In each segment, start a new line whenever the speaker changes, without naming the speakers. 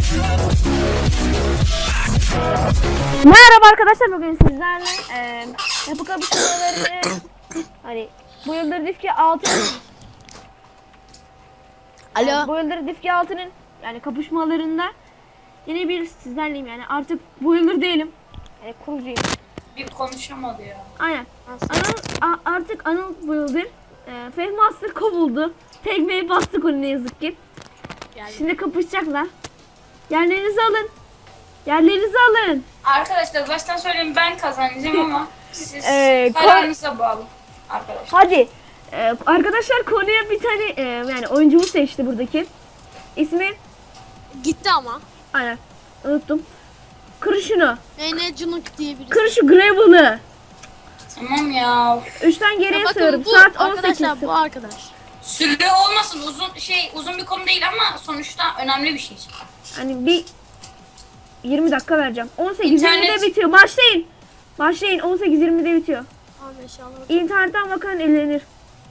Merhaba arkadaşlar, bugün sizlerle yapı kapışmalarını hani bu yıldır Difki 6 bu yıldır Difki 6'nın yani kapışmalarında yine bir sizlerleyim, yani artık bu yıldır değilim, kurucuyum.
Bir konuşamadı ya.
Aynen. Artık Anıl bu yıldır Fehmi Master kovuldu. Tekmeyi bastık onu, ne yazık ki.
Yani.
Şimdi kapışacaklar. Yerlerinizi alın. Yerlerinizi alın.
Arkadaşlar baştan söyleyeyim, ben kazanacağım ama siz kararınıza bağlı arkadaşlar.
Hadi. Arkadaşlar konuya bir tane yani oyuncumu seçti buradaki. İsmi
Gitti ama.
aynen unuttum. Kır şunu.
Ne Cunuk diye birisi.
Kır şu Gravel'ı.
Tamam ya.
3'ten geriye
Bakın
sayıyorum.
bu
Saat 18.
arkadaşlar, bu arkadaş.
Süre olmasın, uzun bir konu değil ama sonuçta önemli bir şey.
Hani bir 20 dakika vereceğim. 18.20'de
İnternet-
bitiyor. Başlayın. Başlayın. 18.20'de bitiyor.
Tamam inşallah.
İnternetten bakan eğlenir.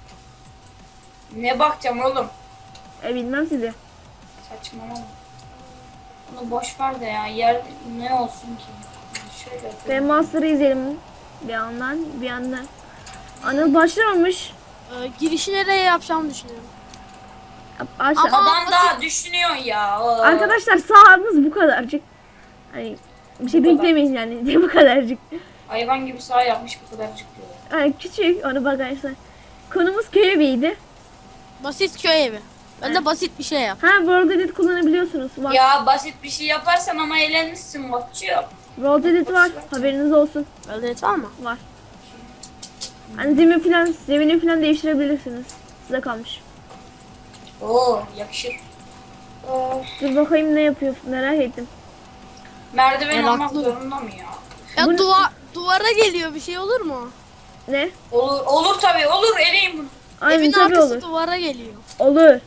Ne bakacağım oğlum?
Bilmem sizi.
Saçmalama. Bunu boş ver de ya. Yer ne olsun ki? Şöyle
Ve
yapayım.
Master'ı izleyelim. Bir yandan. Anıl başlamamış.
Girişi nereye yapacağımı düşünüyorum.
Aşağı.
Ama-
Adam daha düşünüyor ya.
Arkadaşlar sahamız bu kadarcık. Hani bir şey
Bu kadar.
beklemeyin yani. Bu kadarcık.
Hayvan gibi sağ yapmış, bu kadar çıkıyor.
Yani küçük onu bakarsan. Konumuz köy eviydi.
Basit köy evi. Ben de basit bir şey yap.
World Edit kullanabiliyorsunuz. Var.
Ya basit bir şey yaparsan ama eğlenmişsin Watch'cığım.
World Edit var. Haberiniz olsun.
Öyle var mı?
Var. Hani zemini falan değiştirebilirsiniz. Size kalmış.
Oo, yakışır.
Dur bakayım ne yapıyor. Merak ettim.
Merdiven
Meraklı.
olmak zorunda mı ya?
Ya
Bu-
duvara geliyor, bir şey olur mu?
Ne?
Olur tabii, olur, eleyim bunu.
Aynen
Evin
tabii
arkası
olur.
duvara geliyor.
Olur.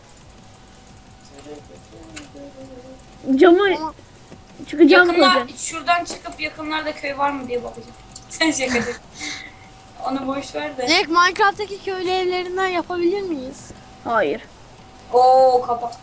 Camı
Ama
çıkacağım
Yakınlar,
koyacağım.
şuradan çıkıp yakınlarda köy var mı diye bakacağım. Sen şakacak. Onu boş ver de.
direkt Minecraft'taki köylü evlerinden yapabilir miyiz?
Hayır.
Oo, kapak.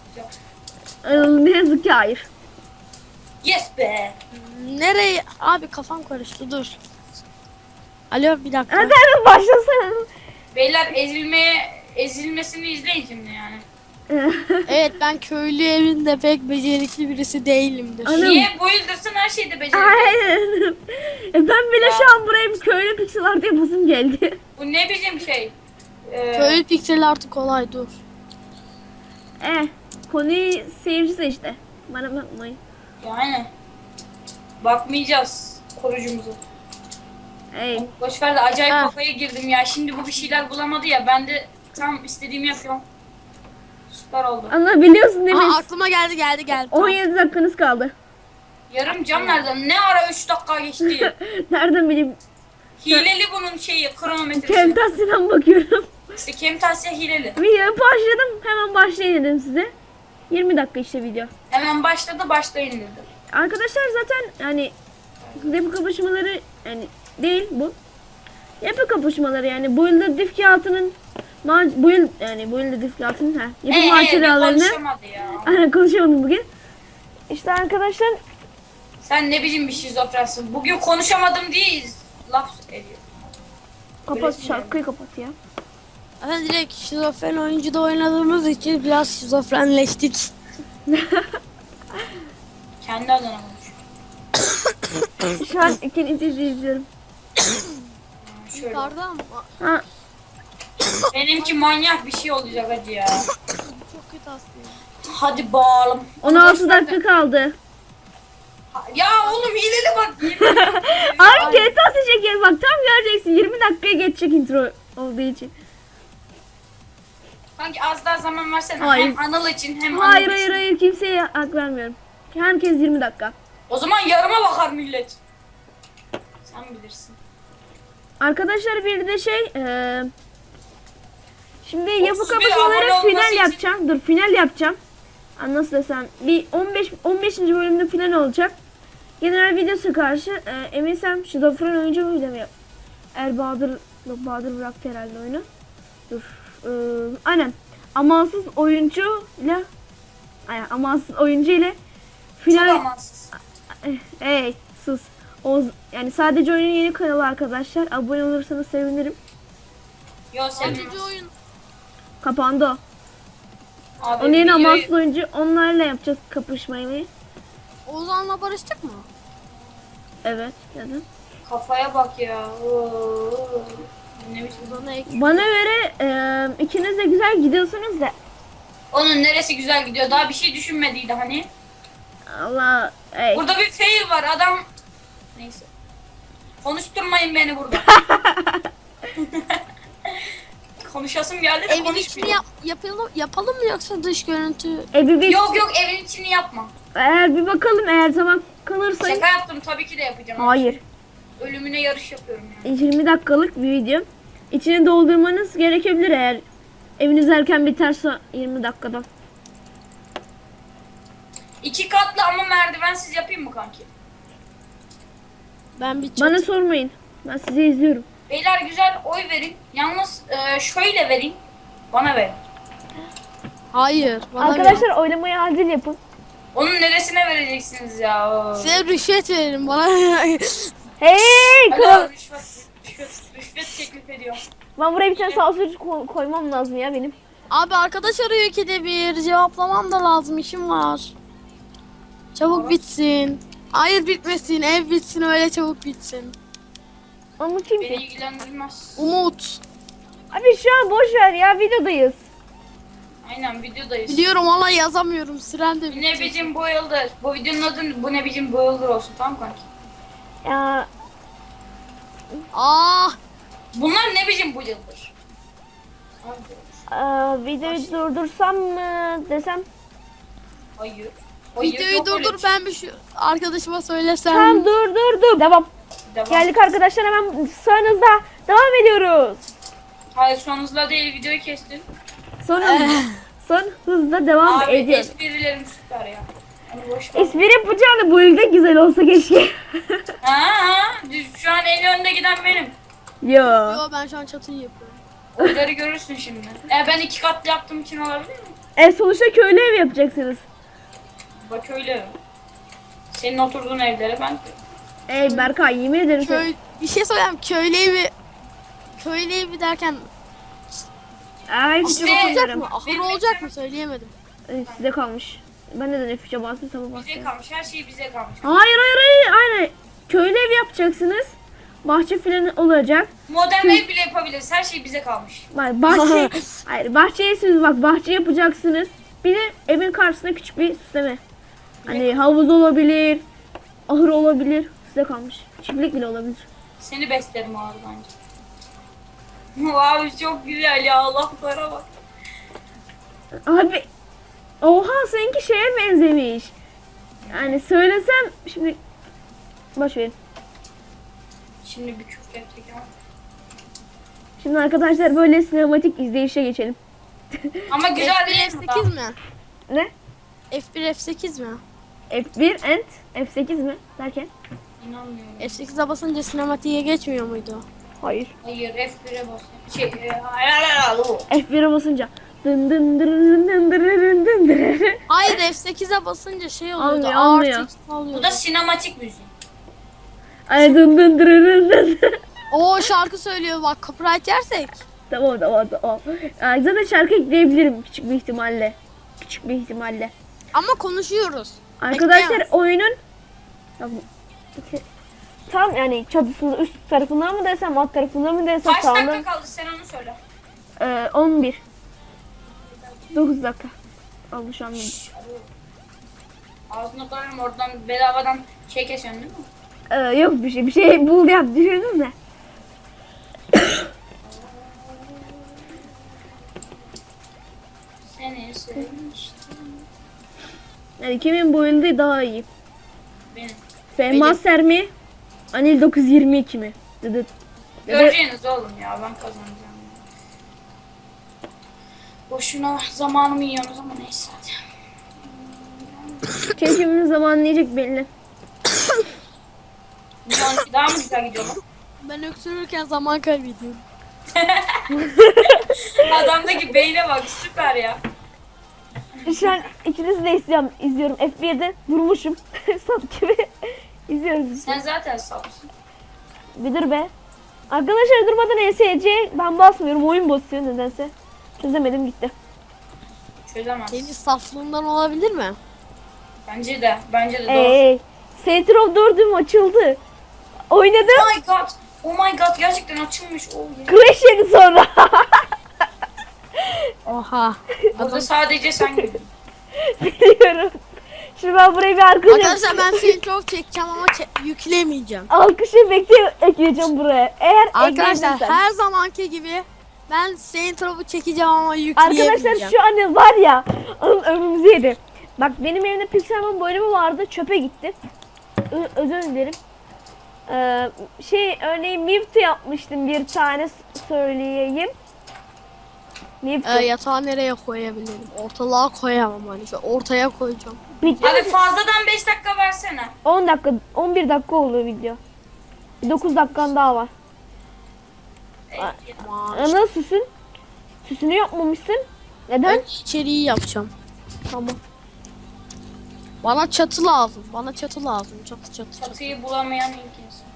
Ne yazık ki hayır.
Yes be.
Nereye? Abi kafam karıştı, dur. Alo, bir dakika.
Hadi hemen başlasana.
Beyler ezilmesini izleyin şimdi yani.
Evet, ben köylü evinde pek becerikli birisi değilimdir.
Anam.
Niye? Bu yıldırsın her şeyde beceriyor.
Aynen. Ben bile
Ya.
şu an buraya bir köylü pixel art yapasım geldi.
Bu ne bizim şey?
Köylü piksel artık kolay, dur.
Konuyu seyirci seçti. Bana bakmayın.
Yani. Bakmayacağız korucumuza.
Ey.
Boş ver de acayip
Ha.
kafaya girdim ya. Şimdi bu bir şeyler bulamadı ya. Ben de tam istediğimi yapıyorum. Süper oldu.
Ama biliyorsun değil mi?
Aa, aklıma geldi. Tamam.
17 dakikanız kaldı.
Yarım cam nereden? Ne ara 3 dakika geçti?
Nereden bileyim?
Hileli bunun şeyi, kronometresi.
Camtasia'dan bakıyorum.
İşte Camtasia hileli.
Video başladım. Hemen başlayın dedim size. 20 dakika işte video.
Hemen başladı, başlayın dedi.
Arkadaşlar zaten yani yapı kapışmaları yani değil bu. Yapı kapışmaları yani bu yılda Difki 6'nın bu yılda Difki 6'nın yapı
bir
maceralarını
konuşamadı ya.
aynen konuşamadım bugün. İşte arkadaşlar
Sen ne biçim bir şizofrensin. Bugün konuşamadım diye laf ediyor.
kapat
Öylesi
şarkıyı kapat ya.
Zaten direkt şizofren oyuncuda oynadığımız için biraz şizofrenleştik.
Kendi adına konuş.
Şu an ikinci izliyorum.
Şöyle.
Yukarıda mı?
Ha,
Benimki manyak bir şey olacak hadi ya.
Çok kötü aslında.
Hadi bağalım.
16 dakika kaldı.
Ya oğlum hileli bak.
Abi GTA çeker bak tam göreceksin 20 dakikaya geçecek intro olduğu için.
Sanki az daha zaman versene.
Hayır.
Hem Anıl için hem
Hayır
Anıl için.
hayır kimseye hak vermiyorum. Herkes 20 dakika.
O zaman yarıma bakar millet. Sen bilirsin.
Arkadaşlar bir de şimdi yapı
31
kapışmaları
abone olması
final
için-
yapacağım. Dur final yapacağım. Nasıl desem bir 15. bölümde final olacak. Genel videosu karşı eminsem şizofren oyuncu muydu mu? Bahadır bıraktı herhalde oyunu. Dur. Aynen. Amansız oyuncu ile Final
amansız.
hey sus. Yani sadece oyunun yeni kanalı arkadaşlar. Abone olursanız sevinirim.
Yo
Sadece
sevinmez.
oyun.
Kapandı o.
Abi
Onun yerine
videoyu-
amansız oyuncu onlarla yapacağız kapışmayı.
Ozan'la barıştık mı?
Evet. Neden?
Kafaya bak ya. Oo. Ne biçim?
Ozan'a ek.
Bana göre ikiniz de güzel gidiyorsunuz da.
Onun neresi güzel gidiyor? Daha bir şey düşünmediydi hani.
Allah. Hey.
Burada bir fail var adam. Neyse. Konuşturmayın beni burada. Konuşasım geldi de
Evin içini
konuşmuyor.
yapalım mı yoksa dış görüntü?
Bir,
Yok yok evin içini yapma.
eğer bir bakalım eğer zaman kalırsa.
Şaka yaptım tabii ki de yapacağım.
Hayır.
Ölümüne yarış yapıyorum yani.
20 dakikalık bir video. İçini doldurmanız gerekebilir eğer eviniz erken biterse 20 dakikada.
2 katlı ama merdivensiz yapayım mı kanki?
Ben bir
Bana sormayın. Ben sizi izliyorum.
Beyler güzel oy verin. Yalnız şöyle verin. Bana ver.
Hayır. Bana
Arkadaşlar oylamayı acil yapın.
Onun neresine vereceksiniz ya? Oo.
Size rüşvet verin bana.
Hey kral.
Alo, rüşvet teklif ediyor.
Ben buraya bir tane sansür koymam lazım ya benim.
Abi arkadaş arıyor ki de bir cevaplamam da lazım, işim var. Çabuk bitsin. Hayır bitmesin, ev bitsin, öyle çabuk bitsin.
Ama kim
Beni
ki?
ilgilendirmez.
Umut.
Abi şu an boş ver ya videodayız.
Aynen videodayız.
Biliyorum ama yazamıyorum, süren de
Bu ne biçim bu yıldır. Bu videonun adı bu ne biçim bu yıldır olsun, tamam kanki?
Ya
Ah,
Bunlar ne biçim bu yıldır?
videoyu durdursam mı desem?
Hayır. Hayır,
videoyu
yok öyle
durdur,
bir şey.
ben bir şu arkadaşıma söylesem.
Tamam dur. Devam.
Devam.
Geldik arkadaşlar hemen sağınızda devam ediyoruz.
Hayır son hızla değil videoyu kestin.
Son hızla devam
Abi
ediyoruz.
esprilerim süper ya. Onu boş ver.
Espri yapacağını bu ülke güzel olsa keşke.
Ha, şu an en önde giden benim.
Yo.
Yo, ben şu an çatıyı yapıyorum.
Oyları görürsün şimdi. Ben 2 katlı yaptığım için olabilir mi?
Sonuçta köylü ev yapacaksınız.
Bak öyle. Senin oturduğun evlere ben...
Ey Berkay yemin ederim.
Bir şey söyleyeyim, köylü evi derken
Ay
İşte-
F'e
olacak
basıyorum.
mı? Ahır
Benim
olacak mı, söyleyemedim.
Size kalmış. Ben neden F'e bastım tamam
Bize
bastım.
kalmış. Her şey bize kalmış.
Hayır. Aynen. Köylü ev yapacaksınız. Bahçe falan olacak.
Modern ev bile yapabiliriz. Her şey bize kalmış.
Bak bahçeye siz bak bahçe yapacaksınız. Bir de evin karşısına küçük bir süsleme. Hani havuz olabilir, ahır olabilir. Size kalmış. Çiftlik bile olabilir.
Seni beslerim abi bence. Abi çok güzel ya. Laflara bak.
Abi oha seninki şeye benzemiş. Yani söylesem şimdi boş verin.
Şimdi bir küfür edecek ama.
Şimdi arkadaşlar böyle sinematik izleyişe geçelim.
Ama güzel
F1
değil mi?
F8 mi?
Ne?
F1 F8 mi?
F1 and F8 mi derken?
İnanmıyorum.
F8'e basınca sinematiğe geçmiyor muydu?
Hayır.
Hayır F1'e bas. Hayır.
F1'e basınca dın dın dırırın dın dırırın dın dırırın.
Hayır, F8'e basınca şey oluyordu.
Almıyor.
Ağır text alıyordu.
Bu da sinematik müzik.
Ay dın dın dırırın dın dırırın.
Oo, şarkı söylüyor bak, copyright yersek.
Tamam. Zaten şarkı ekleyebilirim küçük bir ihtimalle. Küçük bir ihtimalle.
Ama konuşuyoruz.
Arkadaşlar
Bekleyin.
oyunun tam yani çatısının üst tarafından mı desem alt tarafından mı desem
Kaç
sağından
dakika kaldı sen onu söyle.
11 9 dakika oldu şu an.
Ağzına koyarım oradan bedavadan şey kesiyorsun değil mi?
Yok bir şey bul yap düşündüm de.
Seni sevmiştim.
Yani kimin boyunda daha iyi?
Benim.
Fehmaser mi? Anil 922 mi? Dıdıt. Ya da
Göreceğiniz oğlum ya ben kazanacağım. Boşuna zamanımı yiyorsunuz ama neyse hadi.
kim kimin zamanını yiyecek belli.
Milyon daha mı güzel gidiyor lan?
Ben öksürürken zaman kaybediyorum.
Adamdaki beyne bak süper ya.
Şu an ikinizi de izliyorum. F1'de durmuşum. Sap gibi. İzliyoruz biz.
Sen zaten sapsın.
Bir dur be. Arkadaşlar durmadan ESC ben basmıyorum. Oyun basıyor nedense. Çözemedim gitti.
Çözemez.
Senin saflığından olabilir mi?
Bence de. Bence de doğru.
Ey. Saints Row 4'üm açıldı. Oynadım.
Oh my god. Oh my god gerçekten açılmış. Oh yeah.
Crash yedi sonra.
Oha.
Burada sadece sen gördün.
Biliyorum. Şimdi ben buraya bir
Arkadaşlar ben seni çok çekeceğim ama yüklemeyeceğim.
alkış efekti ekleyeceğim buraya. Eğer
Arkadaşlar
ekleyebilirsem.
her zamanki gibi ben Saint Row'u çekeceğim ama yükleyemeyeceğim.
Arkadaşlar şu an var ya ömrümüzü yedi. Bak benim evimde Pixelmon bölümü vardı, çöpe gitti. Özür dilerim. Örneğin Mewtwo yapmıştım bir tane söyleyeyim. Mewtwo.
Yatağı nereye koyabilirim? Ortalığa koyamam hani. Şu ortaya koyacağım.
Bitti
Abi
mi?
fazladan 5 dakika versene.
10 dakika, 11 dakika oldu video. 9 dakikan daha var.
Aman.
Ana süsün. Süsünü yapmamışsın. Neden?
Ben içeriği yapacağım.
Tamam.
Bana çatı lazım. Bana çatı lazım. Çatı.
Çatıyı bulamayan ilk insan.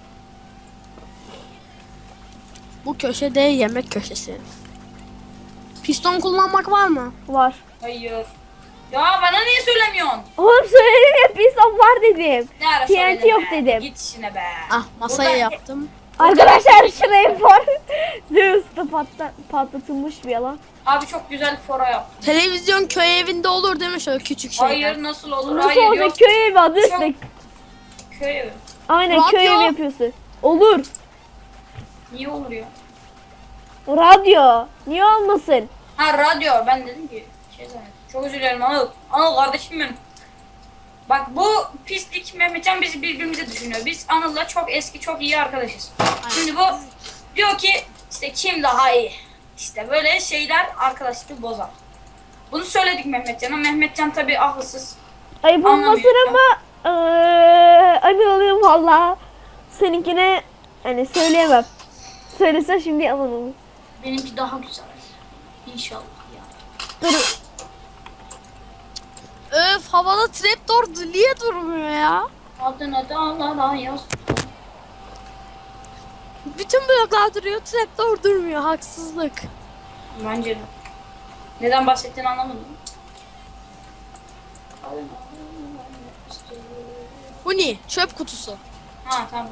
Bu köşede yemek köşesi. Piston kullanmak var mı?
Var.
Hayır. Ya bana niye söylemiyorsun?
Oğlum söyledim ya piston var dedim.
Ne ara
TNT
söyledin
yok
be?
dedim.
Git işine be.
Ah masayı
Burada-
yaptım.
Arkadaşlar şurayı var. Zeus'ta patlatılmış bir yalan.
Abi çok güzel fora yaptın.
Televizyon köy evinde olur değil mi şöyle küçük şeyler?
Hayır nasıl olur?
Nasıl
Hayır
olacak
yok.
köy evi adı
Çok-
üstüne.
Köy evi.
Aynen
Radyo.
köy evi yapıyorsun. Olur.
Niye olur ya?
Radyo. Niye olmasın?
Ha radyo. Ben dedim ki şey zannettim. Çok özür dilerim Anıl. Anıl kardeşim benim. Bak bu pislik Mehmetcan bizi birbirimize düşünüyor. Biz Anıl'la çok eski çok iyi arkadaşız. Şimdi bu diyor ki işte kim daha iyi. İşte böyle şeyler arkadaşlığı bozar. Bunu söyledik Mehmetcan'a. Mehmetcan tabii akılsız.
Ayıp olmasın
Anlamıyor.
ama anıyorum valla. Seninkine hani söyleyemem. Söylesen şimdi yalan olur.
Benimki daha güzel. İnşallah ya.
Dur.
Öf havada trapdoor niye durmuyor ya?
Adına dağlara yaz.
Bütün bloklar duruyor, trapdoor durmuyor. Haksızlık.
Bence de. Neden bahsettiğini anlamadım.
Bu ne? Çöp kutusu.
Ha tamam.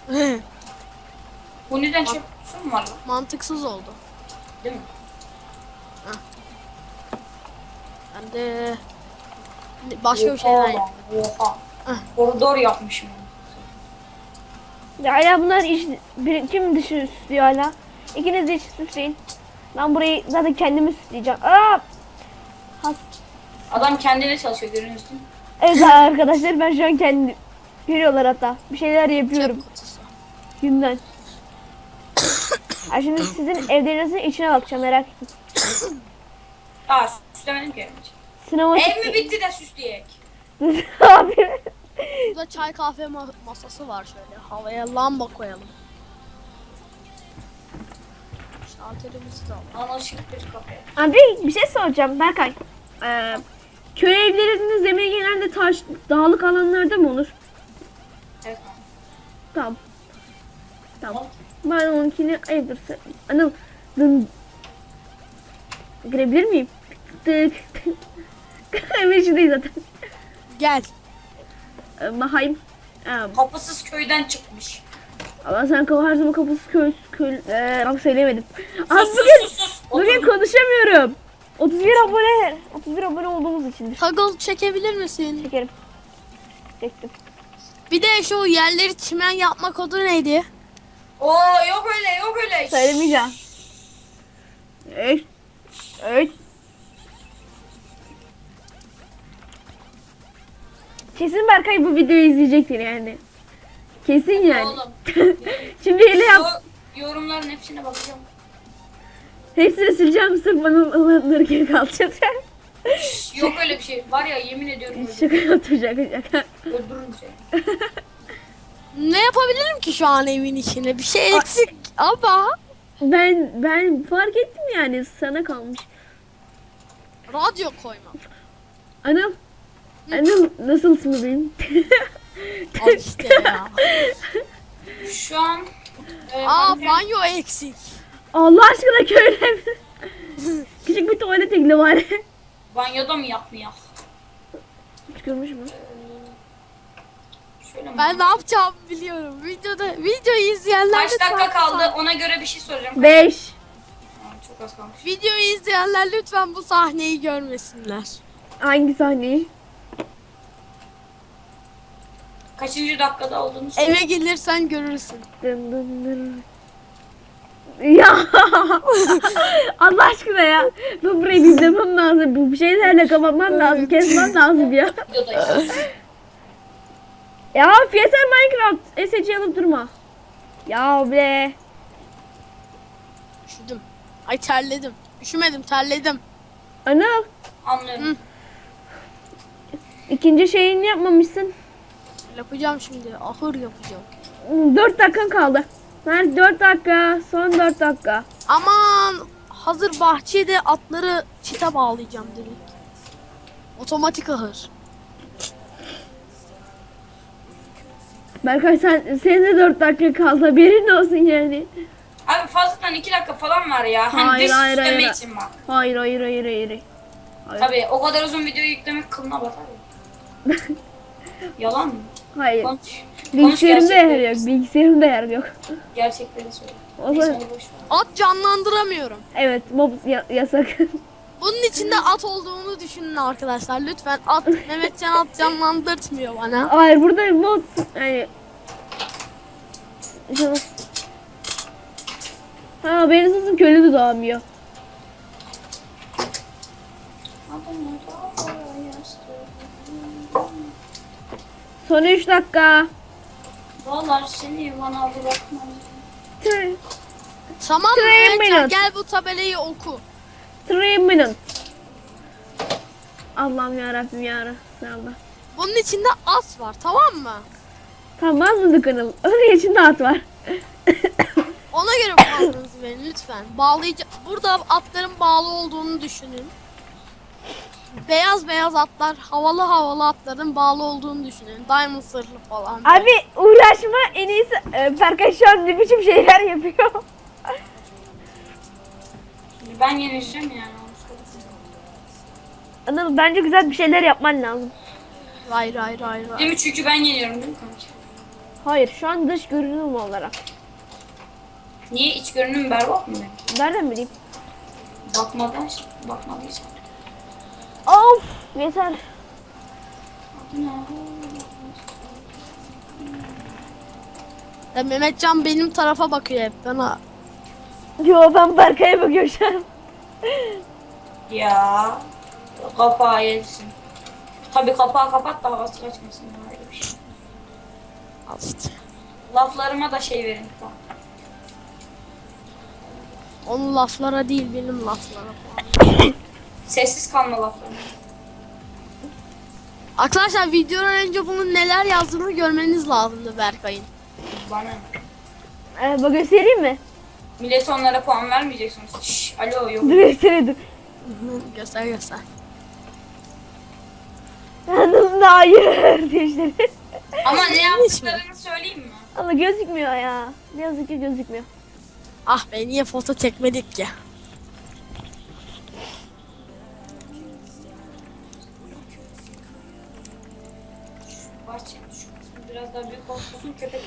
Bu neden çöp kutusu mu var lan?
Mantıksız oldu.
Değil mi?
Ben de başka bir şeyler yap.
Oha.
Ah.
Koridor yapmışım.
Ya hala bunlar kim dışı süslüyor hala? İkiniz de iç süsleyin. Ben burayı zaten kendimi süsleyeceğim. Aa!
Adam kendine çalışıyor görüyorsunuz değil mi?
Evet arkadaşlar ben şu an kendim görüyorlar hatta. Bir şeyler yapıyorum
Çöp kutusu.
günden. Ha şimdi sizin evlerinizin içine bakacağım merak etmeyin.
Aa süslemedim ki.
Sinematik.
Ev mi bitti de süsleyek?
Abi.
Burada çay kahve masası var şöyle. Havaya lamba koyalım. Şalterimizi de alalım.
Anlaşık bir kafeye.
Abi bir şey soracağım Berkay. Köy evlerinin zemini genelde taş, dağlık alanlarda mı olur?
Evet.
Tamam. Tamam. Ben onunkini ayıptır. Anıl. Girebilir miyim? Tık. Evin içindeyiz zaten.
Gel.
Mahayım.
Kapısız köyden çıkmış.
Ama sen her zaman kapısız köy söyleyemedim. Abi
Sus
bugün,
sus sus sus.
bugün
Otur.
konuşamıyorum. 31 abone olduğumuz içindir.
Toggle çekebilir misin?
Çekerim. Çektim.
Bir de şu yerleri çimen yapma kodu neydi?
Oo yok öyle yok öyle.
Söylemeyeceğim. Evet. Evet. Kesin Berkay bu videoyu izleyecektir yani. Kesin yani.
Oğlum.
Şimdi hele yap.
Yorumların hepsine bakacağım.
Hepsini sileceğim sırf bana alınırken kalacak.
Yok öyle bir şey. Var ya yemin ediyorum
Şaka yaptım şaka.
öldürürüm seni.
Ne yapabilirim ki şu an evin içinde? Bir şey eksik ama
Ben fark ettim yani sana kalmış.
radyo koyma.
Anıl. Anıl nasılsın bebeğim?
Al işte ya.
Şu an
Banyo eksik.
Allah aşkına köyle mi? Küçük bir tuvalet ekle bari.
banyoda mı yapmayak?
Hiç görmüş mü?
Şöyle mi?
Ben ne yapacağımı biliyorum. Videoyu izleyenler
Kaç dakika kaldı? Ona göre bir şey soracağım.
5.
Çok az kalmış.
Videoyu izleyenler lütfen bu sahneyi görmesinler.
Hangi sahneyi?
Kaçıncı dakikada olduğunu söyle.
Eve gelirsen görürsün.
Dın dın dın. Ya Allah aşkına ya. Bu burayı izlemem lazım. Bu şeylerle kapatmam lazım. Kesmem lazım ya.
Videodayız.
Ya Fiyeser Minecraft. SC alıp durma. Ya be.
Üşüdüm. Ay terledim. Üşümedim terledim.
Anıl.
Anlıyorum.
İkinci şeyini yapmamışsın.
Yapacağım şimdi. Ahır yapacağım.
4 dakikan kaldı. Nerede 4 dakika? Son 4 dakika.
Aman hazır bahçede atları çite bağlayacağım direkt. Otomatik ahır.
Berkay senin de 4 dakika kaldı. Haberin olsun yani.
Abi fazladan 2 dakika falan var ya. Hani
Hayır,
dış
hayır,
süsleme
hayır.
için bak.
Hayır hayır hayır hayır.
Tabii o kadar uzun videoyu yüklemek kılına batar ya. Yalan mı?
Hayır.
Konuş.
Bilgisayarımda yer
gerçekleri.
yok. Bilgisayarımda yer yok.
Gerçekleri söyle.
O
Neyse
zaman
onu boş ver.
At canlandıramıyorum.
evet mob yasak.
Bunun içinde at olduğunu düşünün arkadaşlar. Lütfen at. Mehmetcan at canlandırtmıyor bana.
Hayır burada mod yani ha benim sesim köylü de doğamıyor. Son 3 dakika.
Vallahi seni bana bırakmam.
Three
Tamam
Three
Mehmetcan
minutes.
gel bu tabelayı oku.
minutes. Allah'ım yarabbim yarabbim.
Bunun içinde at var tamam mı?
Tamam anladık Anıl. Onun içinde at var.
Ona göre puanınızı verin lütfen. Burada atların bağlı olduğunu düşünün. Beyaz beyaz atlar, havalı havalı atların bağlı olduğunu düşünün. Diamond sırlı falan.
Abi uğraşma en iyisi. Berkay şu an ne biçim şeyler yapıyor.
Ben yeneceğim yani.
Anıl bence güzel bir şeyler yapman lazım.
Hayır hayır hayır. hayır.
Değil mi? Çünkü ben yeniyorum değil mi kanka?
Hayır şu an dış görünüm olarak.
Niye iç görünüm berbat mı benim?
Nereden bileyim?
Bakmadıysam.
Of yeter.
Ya Mehmetcan benim tarafa bakıyor hep bana.
Yo ben Berkay'a bakıyorum şu an.
Ya kapağı yesin. Tabii kapağı kapat da havası kaçmasın. Öyle bir şey.
Al işte.
Laflarıma da şey verin. Tamam.
Onun laflara değil benim laflara falan.
Sessiz kalma laflarına.
Arkadaşlar videodan önce bunun neler yazdığını görmeniz lazımdı Berkay'ın.
Bana.
Bak göstereyim mi?
Millet onlara puan vermeyeceksiniz. Şşş, alo yok.
Dur göstereyim.
Göster göster.
Anıl hayır demişler.
Ama ne
Yanlış mı?
yaptıklarını söyleyeyim mi?
Ama gözükmüyor ya. Ne yazık ki gözükmüyor.
Ah be niye foto çekmedik ki?
Bahçe şu kısmı biraz daha büyük olsun köpek.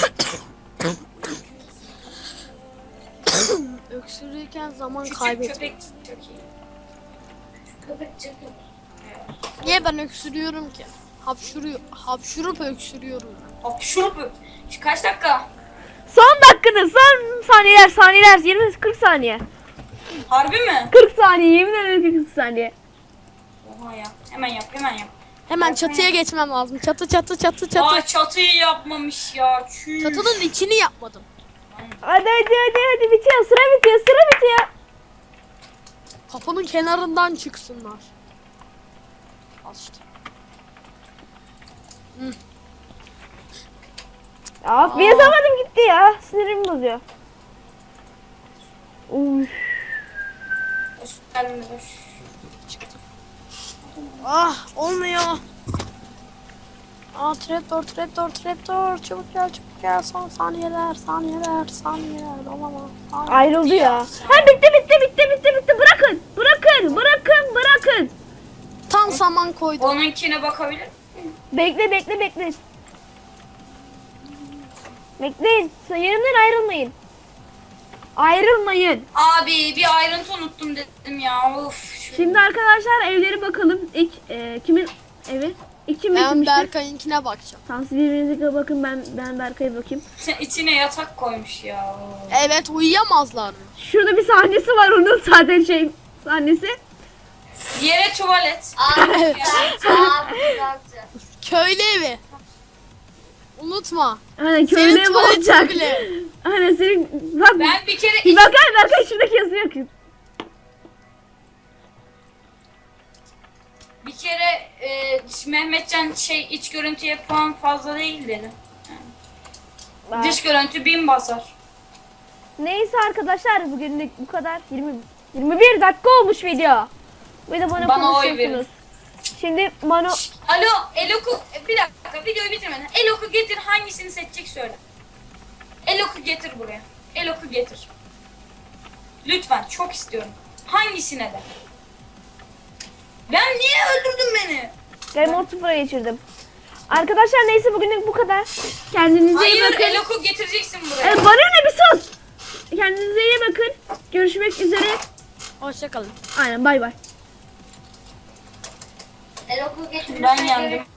Öksürürken zaman
Küçük
kaybettim.
köpek çok iyi. Şu köpek çok iyi.
Niye ben öksürüyorum ki? Hapşurup öksürüyorum.
Hapşurup öp. Şu kaç dakika?
Son dakikanın son saniyeler 20-40 saniye.
Harbi mi?
40 saniye yemin ederim 40 saniye.
Oha ya. Hemen yap hemen yap.
Hemen çatıya geçmem lazım. Çatı.
Aa çatıyı yapmamış ya. Çüş.
Çatının içini yapmadım.
Hadi bitiyor sıra bitiyor.
Kapının kenarından çıksınlar. Al işte.
Ya bir yazamadım gitti ya. Sinirimi bozuyor. Uf.
Hoş geldin hoş.
Çıktı. Ah olmuyor. Aa trapdoor. Çabuk gel. Son saniyeler. Olamaz.
Ayrıldı ya. Ha bitti. Bırakın.
Tam saman koydum.
Onunkine bakabilir miyim?
Bekle. Bekleyin. Yerimden ayrılmayın.
Abi bir ayrıntı unuttum dedim ya. Of.
Şimdi arkadaşlar evlere bakalım. İlk kimin evi? İlk kim
Ben
bitirmiştir?
Berkay'ınkine bakacağım.
Tamam siz birbirinize bakın, ben Berkay'a bakayım.
İçine yatak koymuş ya.
Evet uyuyamazlar mı?
Şurada bir sahnesi var onun zaten sahnesi.
Yere tuvalet.
Abi güzel.
Köylü evi. Unutma.
Hani
Senin
köylü ev
tuvaletin
olacak.
bile.
Hani senin bak
Ben bir kere
bir Berkay şuradaki yazıyor ki.
Mehmetcan iç görüntüye puan fazla değil dedi. Dış görüntü 1000 basar.
Neyse arkadaşlar bugünlük bu kadar. 21 dakika olmuş video. Bir de bana
oy
konuşuyorsunuz. Şimdi bana
Alo Elok'u bir dakika videoyu bitirmeden. Elok'u getir, hangisini seçecek söyle. Elok'u getir buraya. Elok'u getir. Lütfen, çok istiyorum. Hangisine de. Ben niye öldürdün beni?
Game Mode 0'a geçirdim. Arkadaşlar neyse bugünlük bu kadar. Kendinize iyi
Hayır
bakın.
Elok'u getireceksin buraya.
Bana ne bir sus. Kendinize iyi bakın. Görüşmek üzere.
Hoşçakalın.
Aynen bay bay.
Eloku getirirsen
Ben yendim.